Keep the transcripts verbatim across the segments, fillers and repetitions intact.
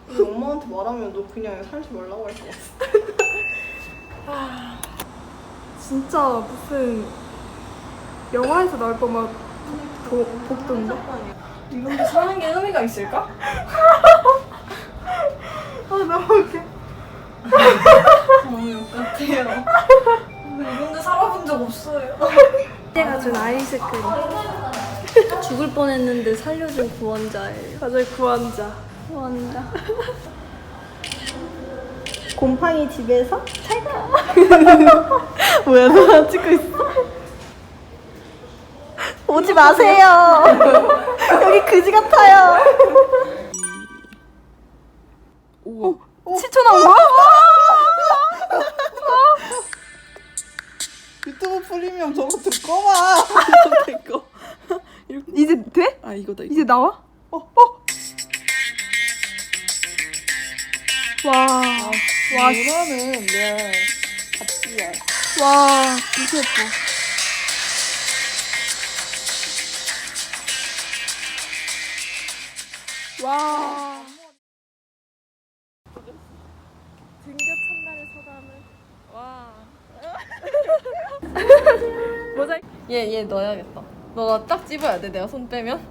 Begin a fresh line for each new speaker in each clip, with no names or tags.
근데 엄마한테 말하면 너 그냥 살지 말라고 할 것 같아.
아, 진짜 무슨 영화에서 나올 거막 복도인데?
이런데 사는 게 의미가 있을까?
아 너무 웃겨.
너무 욕 같아요. 이런데 살아본 적 없어요.
내가 준 아이스크림.
죽을 뻔했는데 살려준 구원자예요.
맞아요, 구원자.
구원자.
곰팡이 집에서 찰까?
뭐야, 너 찍고 있어?
오지 마세요. 여기 그지 같아요.
오, 칠 초 나온 거야?
유튜브 프리미엄 저거 듣고 봐.
이거 이제 돼?
아 이거다 이거.
이제 나와?
어, 어.
와, 와,
이거는 내 잡지야.
와, 진짜 예뻐. 와. 등교 첫날의 소감을. 와. 모자이크.
얘, 얘 넣어야겠다. 너가 딱 집어야 돼, 내가 손 빼면.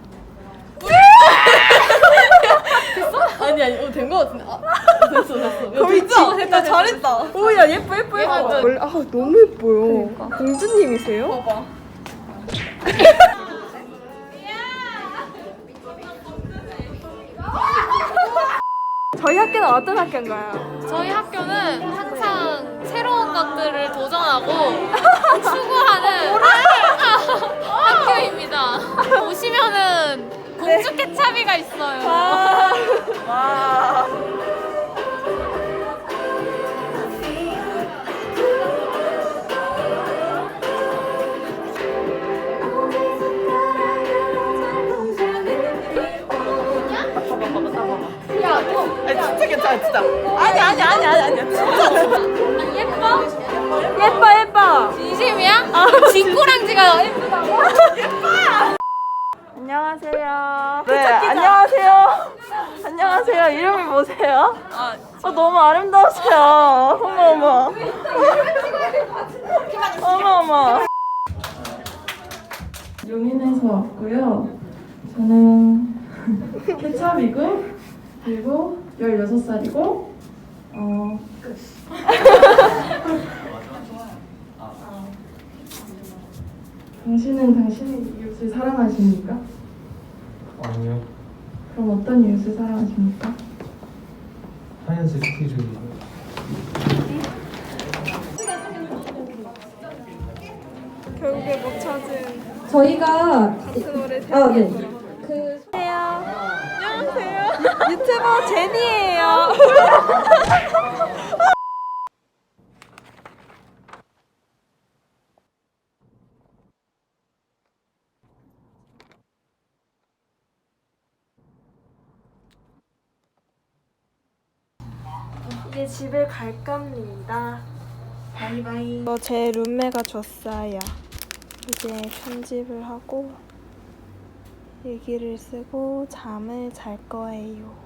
됐어? 아니, 아니, 어, 된 거 같은데. 아, 됐어, 됐어.
거의
됐다,
지-
됐다, 잘했다.
오, 야, 예뻐, 예뻐, 예뻐.
얘가
원래, 아, 너무 예뻐요. 공주님이세요?
봐봐.
저희 학교는 어떤 학교인가요?
저희 학교는 항상 새로운 것들을 도전하고 추구하는 학교입니다. 오시면은 공주 케찹이가 있어요.
와.
아니 진짜 괜찮아 진짜. 아니 아니 아니 아니 아니야 진짜.
예뻐?
예뻐, 예뻐.
진심이야? 뒷꼬랑지가 예쁘다고?
안녕하세요.
네 안녕하세요. 안녕하세요. 이름이 뭐세요?
아,
어, 너무 아름다우세요. 어머 어머. 어머 어머.
용인에서 왔고요. 저는 케찹이고 그리고 열여섯 살이고 어 끝. 당신은 당신의 이웃을 사랑하십니까?
아니요.
그럼 어떤 이웃을 사랑하십니까?
하얀색 티셔츠.
결국에 못 찾은
저희가
같은 노래
아, 네.
생각했어요.
그
안녕하세요. 유튜버 제니예요. 이제 집에 갈 겁니다. 바이바이. 이거 제 룸메가 줬어요. 이제 편집을 하고 일기를 쓰고 잠을 잘 거예요.